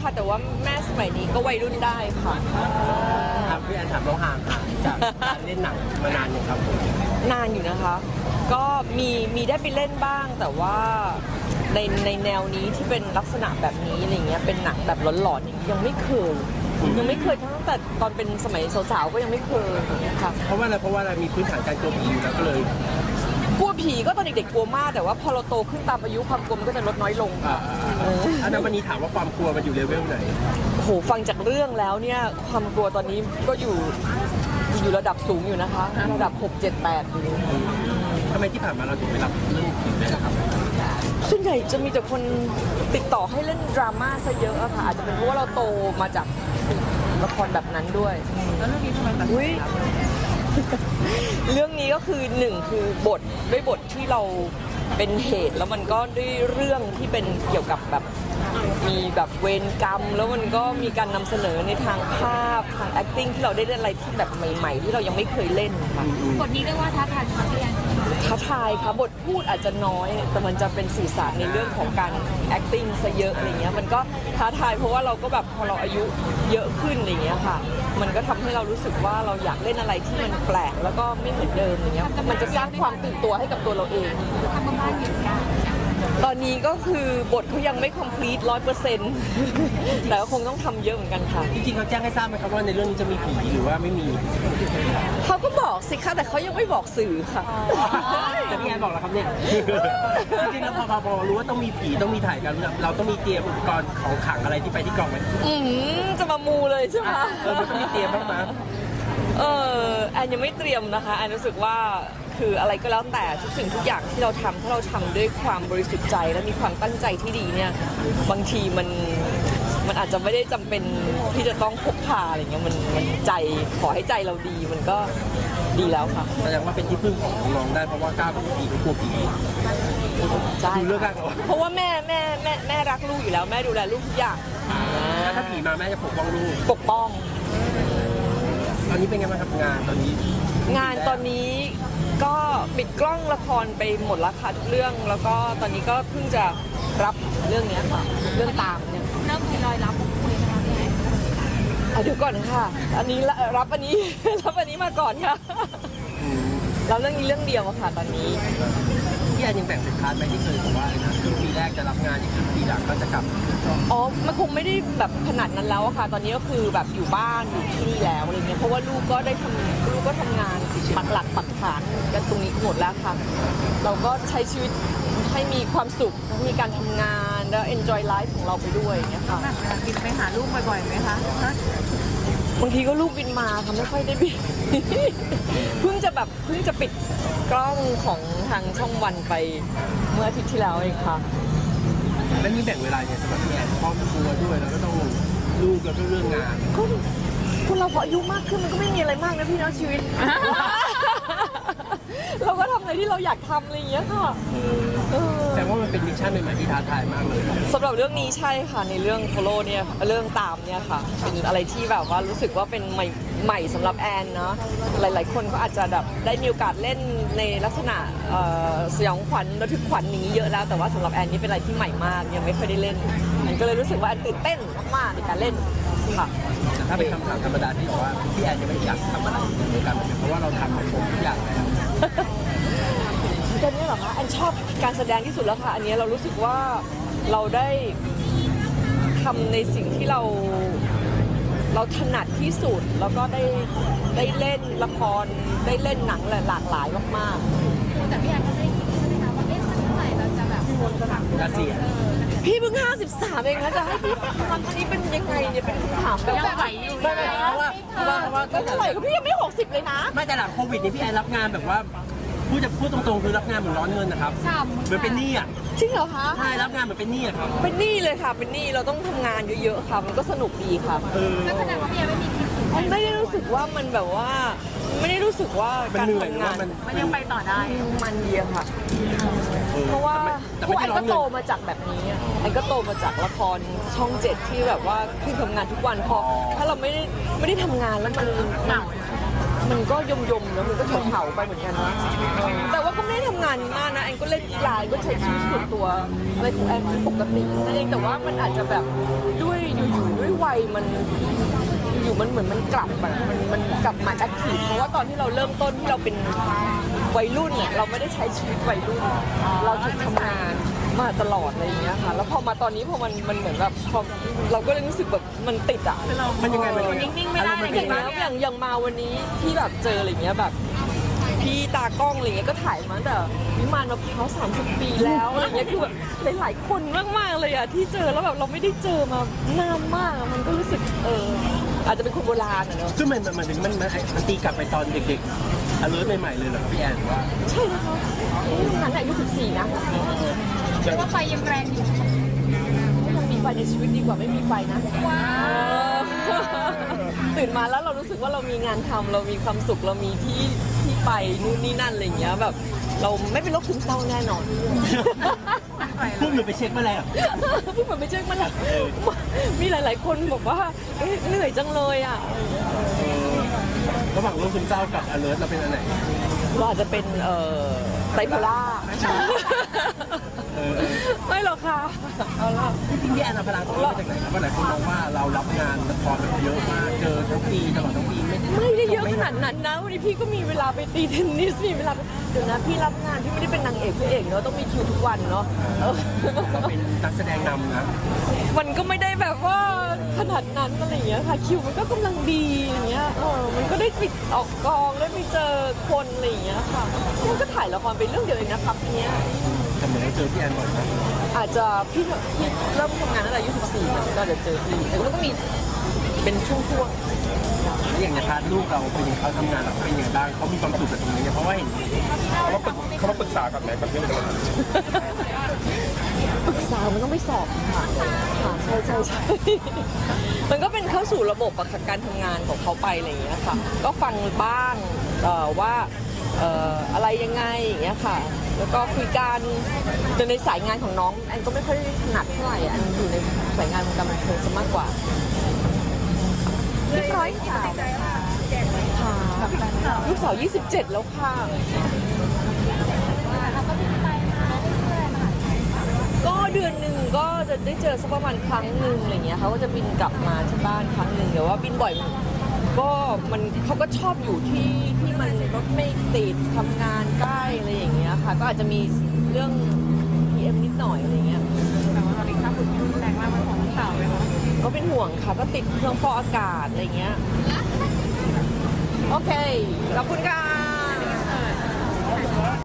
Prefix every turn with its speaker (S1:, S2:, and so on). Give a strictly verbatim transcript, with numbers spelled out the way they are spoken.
S1: ค่ะแต่ว่าแม่สมัยนี้ก็วัยรุ่นได้ค่ะ
S2: ครับพี่แอนถามเราห่างหายจากการเล่นหนังมานานยังครับผม
S1: นานอยู่นะคะ ก็มีมีได้ไปเล่นบ้างแต่ว่าในในแนวนี้ที่เป็นลักษณะแบบนี้อะไรเงี้ยเป็นหนังแบบหลอนๆอย่างนี้ยังไม่เคยยังไม่เคยตั้งแต่ตอนเป็นสมัยสาวๆก็ยังไม่เคยอย่างเงี้ยค่ะ
S2: เพราะว่าอะไรเพราะว่าเรามีพื้นฐานการกลัวผีอยู่แล้วก็เลย
S1: กลัวผีก็ตอนเด็กๆกลัวมากแต่ว่าพอเราโตขึ้นตามอายุความกลัวมันก็จะลดน้อยลง
S2: อ่าอันนั้นวันนี้ถามว่าความกลัวมันอยู่เลเวลไหน
S1: โอ้โหฟังจากเรื่องแล้วเนี่ยความกลัวตอนนี้ก็อยู่อยู่ระดับสูงอยู่นะคะระดับหก เจ็ด แปดอยู่
S2: ทำไมที่ผ่านมาเราถึงไม่รับเรื่องผีเลยนะครับ
S1: ส่วนใหญ่จะมีแต่คนติดต่อให้เล่นดราม่าซะเยอะอะค่ะอาจจะเป็นเพราะว่าเราโตมาจากละครแบบนั้นด้วยแล้วเรื่องนี้ทำไมตัดสินใจเรื่องนี้ก็คือหนึ่งคือบทด้วยบทที่เราเป็นเหตุแล้วมันก็ด้วยเรื่องที่เป็นเกี่ยวกับแบบมีแบบเวรกรรม แล้วมันก็มีการนำเสนอในทางภาพทาง acting ที่เราได้เล่นอะไรที่แบบใหม่ๆ ที่เรายังไม่เคยเล่นค่ะ
S3: บทนี้เรียกว่าท้าทายสำหรับพี่แอน
S1: ท้าทายค่ะบทพูดอาจจะน้อย แต่มันจะเป็นสื่อสารในเรื่องของการ acting ซะเยอะอะไรเงี้ยมันก็ท้าทายเพราะว่าเราก็แบบพอเราอายุเยอะขึ้นอะไรเงี้ยค่ะมันก็ทำให้เรารู้สึกว่าเราอยากเล่นอะไรที่มันแปลกแล้วก็ไม่เหมือนเดิมอย่างเงี้ยมันจะสร้างความตื่นตัวให้กับตัวเราเอง
S3: ทำบ้านอยู่กัน
S1: ตอนนี้ก็คือบทเขายังไม่ complete ร้อยเปอร์เซ็นต์แต่ก็คงต้องทำเยอะเหมือนกันค่ะ
S2: จริงๆเขาแจ้งให้ทราบไหมครับว่าในเรื่องนี้จะมีผีหรือว่าไม่มี
S1: เขาก็บอกสิคะแต่เขายังไม่บอกสื่อค่ะ
S2: แต่พี่แอนบอกแล้วครับเนี่ย จริงๆแล้วพอพอพอรู้ว่าต้องมีผีต้องมีถ่ายกันเราต้องมีเตรียมอุปกรณ์ของขลังอะไรที่ไปที่กองไหม
S1: อืมจะมามูเลยใช่ไหม
S2: เออมันต้องมีเตรียมบ้างไหม
S1: เออแอนยังไม่เตรียมนะคะแอนรู้สึกว่าคืออะไรก็แล้วแต่ทุกสิ่งทุกอย่างที่เราทำถ้าเราทำด้วยความบริสุทธิ์ใจและมีความตั้งใจที่ดีเนี่ยบางทีมันมันอาจจะไม่ได้จำเป็นที่จะต้องพกพาอะไรเงี้ยมันมันใจขอให้ใจเราดีมันก็ดีแล้วค่ะ
S2: แสดงว่าเป็นที่พึ่งของน้องๆได้เพราะว่ากล้ากลัวผีก็กลัวผี
S1: ใช่
S2: ดูเรื่องรักเหรอ
S1: เพราะว่าแม่แม่แม่แม่รักลูกอยู่แล้วแม่ดูแลลูกทุกอย่าง
S2: แล้วถ้าผีมาแม่จะปกป้องลูก
S1: ปกป้อง
S2: ตอนนี้เป็นไงบ้างครับงานตอนนี้
S1: งานตอนนี้ก็ปิดกล้องละครไปหมดแล้วค่ะทุกเรื่อง แล้วก็ตอนนี้ก็เพิ่งจะรับเรื่องเนี้ยค่ะ เรื่องตามเนี่ย
S3: เริ่มมีรอยรับคุยนะคะพี่แอน
S1: อ่ะเดี๋ยวก่อนค่ะ อันนี้ละรับอันนี้ รับอันนี้มาก่อนค่ะรับเรื่องนี้เรื่องเดียวอะค่ะ ตอนนี้
S2: พี่แอนยังแบ่งเป็นพาร์ทไหมที่เคยบอกว่านะครึ่งปีแรกจะรับงานอีกครึ่งปีหลังก็จะกลับ
S1: อ๋อ มันคงไม่ได้แบบขนาดนั้นแล้วอะค่ะ ตอนนี้ก็คือแบบอยู่บ้านอยู่ที่นี่แล้วอะไรเงี้ย เพราะว่าลูกก็ได้ทำลูกก็ทำงานปักหลักปักฐานกันตรงนี้หมดแล้วค่ะ เราก็ใช้ชีวิตให้มีความสุข มีการทำงานแล้ว enjoy life ของเราไปด้วยอย่างเงี้ยค่ะ
S3: แบบเวลาบินไปหาลูกบ่อยๆไหมคะ
S1: บางทีก็ลูกบินมาค่ะไม่ค่อยได้บิน เพิ่งจะแบบเพิ่งจะปิดกล้องของทางช่องวันไปเมื่ออาทิตย์ที่แล้วเองค่ะ
S2: แล้วนี่แบ่งเวลาเนี่ยสำหรับพี่แอนครอบครัวด้วยแล้วก็ต้องลูกแล้วก็เรื่องงาน
S1: ก็คนเราพออายุมากขึ้นมันก็ไม่มีอะไรมากนะพี่เนาะชีวิต เราก็ทำอะไรที่เราอยากทำอะไรอย่างเงี้ยค่ะเออ
S2: แต่ว่ามันเป็นมิชชั่นใหม่ๆที่ท้าทายมากเลย
S1: สำหรับเรื่องนี้ใช่ค่ะในเรื่อง follow เนี่ยเรื่องตามเนี่ยค่ะเป็นอะไรที่แบบว่ารู้สึกว่าเป็นใหม่ใหม่สำหรับแอนเนาะหลาย ๆ คนก็อาจจะแบบได้มีโอกาสเล่นในลักษณะเอ่อสยองขวัญระทึกขวัญอย่างนี้เยอะแล้วแต่ว่าสำหรับแอนนี่เป็นอะไรที่ใหม่มากยังไม่เคยได้เล่นแอนก็เลยรู้สึกว่าแอนตื่นเต้นมากๆในการเล่นค่ะ
S2: แต่ถ้าเป็นคำถามธรรมดาที่บอกว่าพี่แอนยังไม่อยากทำอะไรในวงการบันเทิงเพราะว่าเราทำมาครบทุกอย่างแล้ว
S1: ตอนนี้เหรอคะแอนชอบการแสดงที่สุดแล้วค่ะ อันนี้เรารู้สึกว่าเราได้ทำในสิ่งที่เราเราถนัดที่สุด แล้วก็ได้ได้เล่นละครได้เล่นหนังหลากหลายมาก
S3: แต่พี่แอนก็ไม่ได้คิดใช่ไหมคะว่าเอ๊ะสักเมื่อไหร่เราจะแบบทำ
S2: เกษียณ
S1: ๆ พี่เพิ่งห้าสิบสามเองนะจะให้พี่ทำอันนี้เป็นยังไงเนี่ยเป็นคำถามแบบ
S3: ยังไหวอยู่
S1: ใช่ไหม
S2: เพราะว่าเพราะว่าเพราะว่า
S1: ก็เท่าไหร่ก็พี่ยังไม่หกสิบเลยนะ
S2: ไม่แต่หลังโควิดนี่พี่แอนรับงานแบบว่าพูดจะพูดตรงๆคือรับงานเหมือนร้อนเงินนะครับ
S3: ฉ่ำ
S2: เหมือนเป็นหนี้อ่ะ
S1: จริงเหรอคะ
S2: ใช่รับงานเหมือนเป็นหนี้อ่ะครับ
S1: เป็นหนี้เลยค่ะ เป็นหนี้เราต้องทำงานเยอะๆค่ะ มันก็สนุกดีค่ะ
S2: เออ
S3: ก็แสดงว่าพี่แอนไม่มีคิดถึง
S1: มันไม่ได้รู้สึกว่ามันแบบว่า ไม่ได้รู้สึกว่า
S2: มัน
S1: การ
S2: เหนื่อยหรือ
S1: ทำงา
S2: ว่าน มัน
S3: มันยังไปต่อได้
S1: มันเดียวค่ะ
S2: ออ
S1: เพราะว่า
S2: แต่
S1: เพ
S2: ไม่
S1: ราะ
S2: ได้
S1: แอน
S2: ร้อ
S1: ก็
S2: นเงิ
S1: โต
S2: น
S1: มาจากแบบนี้อะแอนก็โตมาจากละครช่องเจ็ดที่แบบว่าคือทำงานทุกวันพอถ้าเราไม่ได้ไม่ได้ทำงานแล้วมัน
S3: เหงา
S1: มันก็ยมยมๆแล้วมันก็เผาๆไปเหมือนกันนะแต่ว่าก็ไม่ได้ทำงานมากนะแอนก็เล่นกีฬาก็ใช้ชีวิตส่วนตัวอะไรของแอนปกตินั่นเองแต่ว่ามันอาจจะแบบด้วยอยู่ๆด้วยวัยมันอยู่มันเหมือนมันกลับแบบมันมันกลับมาแอคทีฟเพราะว่าตอนที่เราเริ่มต้นที่เราเป็นวัยรุ่นเนี่ยเราไม่ได้ใช้ชีวิตวัยรุ่นเราถูกทำงานมาตลอดอะไรอย่างเงี้ยค่ะแล้วพอมาตอนนี้พอมันมันเหมือนแบบพอเราก็เลยรู้สึกแบบมันติดอ่ะ
S2: มันยังไงมัน
S1: เอ
S2: ยั
S1: อง
S2: ไง
S1: นิ่งๆไม่ได้อย่างเงี้ยอย่างอย่างมาวันนี้ที่แบบเจออะไรเงี้ยแบบพี่ตากล้องอะไรเงี้ยก็ถ่ายมาตั้งแต่วิมานมะพร้าวสามสิบปีแล้วอะไรเงี้ยคือแบบหลายๆคนมากๆเลยอ่ะที่เจอแล้วแบบเราไม่ได้เจอมานานมากอะมันก็รู้สึกเอออาจจะเป็นคนโบราณอะเนอะ
S2: ซึ่งมันมันมันมันมันตีกลับไปตอนเด็กๆอเลิร์ใหม่ๆเลยเหรอครับพี่แอนว่า
S1: ใช่นะคะนั้นอายุสิบสี่นะ
S3: เรียกว่าไฟยังแรงอยู่
S1: ยังมีไฟในชีวิตดีกว่าไม่มีไฟนะว้าวตื่นมาแล้วเรารู้สึกว่าเรามีงานทำเรามีความสุขเรามีที่ที่ไปนู่นนี่นั่นอะไรอย่างเงี้ยแบบเราไม่เป็นโรคซึมเศร้าแน่นอน
S2: พวกหนูไปเช็คมาแล้ว
S1: พี่เหมือนไปเช็คมาแล้วมีหลาย ๆ คนบอกว่าเอ๊ะเหนื่อยจังเลยอ่ะ
S2: ระหว่างโรคซึมเศร้ากับอเลิร์เราเป็นอันไหน
S1: เราอาจจะเป็นเอ่อไบโพล่า
S2: เออ
S1: ไม่หรอกค่ะเอาละ
S2: จริงๆพี่แอนเอาพลังตรงนี้มาจากไหนครับว่าหลายคนมองว่าเรารับงานละครแบบเยอะมากเจอทั้งปีตลอดทั้งปีไม่
S1: ไม่ได้เยอะขนาดนั้นนะวันนี้พี่ก็มีเวลาไปตีเทนนิสมีเวลาไปเดี๋ยวนะพี่รับงานพี่ไม่ได้เป็นนางเอกพระเอกเนาะต้องมีคิวทุกวันเนาะเออ
S2: เราเป็นนักแสดงนำนะ
S1: มันก็ไม่ได้แบบว่าขนาดนั้นอะไรอย่างเงี้ยค่ะคิวมันก็กำลังดีอย่างเงี้ยเออมันก็ได้ไปออกกองได้ไปเจอคนอะไรอย่างเงี้ยค่ะมันก็ถ่ายละครไปเรื่องเดียวเองนะครับเนี้ย
S2: แต่เหมือนเราเจอพี่แอนบ่อยนะ
S1: อาจจะพี่พี่เริ่มทำงานตั้งแต่อายุสิบสี่มันก็จะเจอพี่แต่ก็ต้องมีเป็นช่วง
S2: แล้วอย่างในพาร์ทลูกเราเป็นยังไงเขาทำงานเราเป็นยังไงบ้างเขามีความสุขกับตรงนี้เนี่ยเพราะว่าเห็น
S4: เขามาปรึกเขามาปรึกษากับไหนกับเรื่องอะไร
S1: ๆปรึกษามันต้องไปสอบค่ะค่ะใช่ใช่ใช่ มันก็เป็นเข้าสู่ระบบอะค่ะการทำงานของเขาไปอะไรอย่างเงี้ยค่ะก็ฟังบ้างเอ่อว่าเอ่ออะไรยังไงอย่างเงี้ยค่ะ แล้วก็คุยกันแต่ในสายงานของน้องแอนก็ไม่ค่อยถนัดเท่าไหร่อันอยู่ในสายงานของการบันเทิงซะมากกว่าเรียบร้อยค่ะค่ะลูกสาวยี่สิบเจ็ดแล้วค่ะ ก็เดือนหนึ่งก็จะได้เจอสักประมาณครั้งหนึ่งอะไรเงี้ยเขาก็จะบินกลับมาที่บ้านครั้งหนึ่งแต่ว่าบินบ่อยก็มันเขาก็ชอบอยู่ที่ที่มันรถไม่ติดทำงานใกล้อะไรอย่างเงี้ยค่ะก็อาจจะมีเรื่อง พี เอ็ม นิดหน่อยอะไรเงี้ย
S3: แต่ว่าตอนนี้ค่าฝุ่นรุนแรงมากมันของลูกสาวไหมคะ
S1: ก็เป็นห่วงค่ะก็ติดเครื่องฟอกอากาศอะไรเงี้ยโอเคขอบคุณค่ะ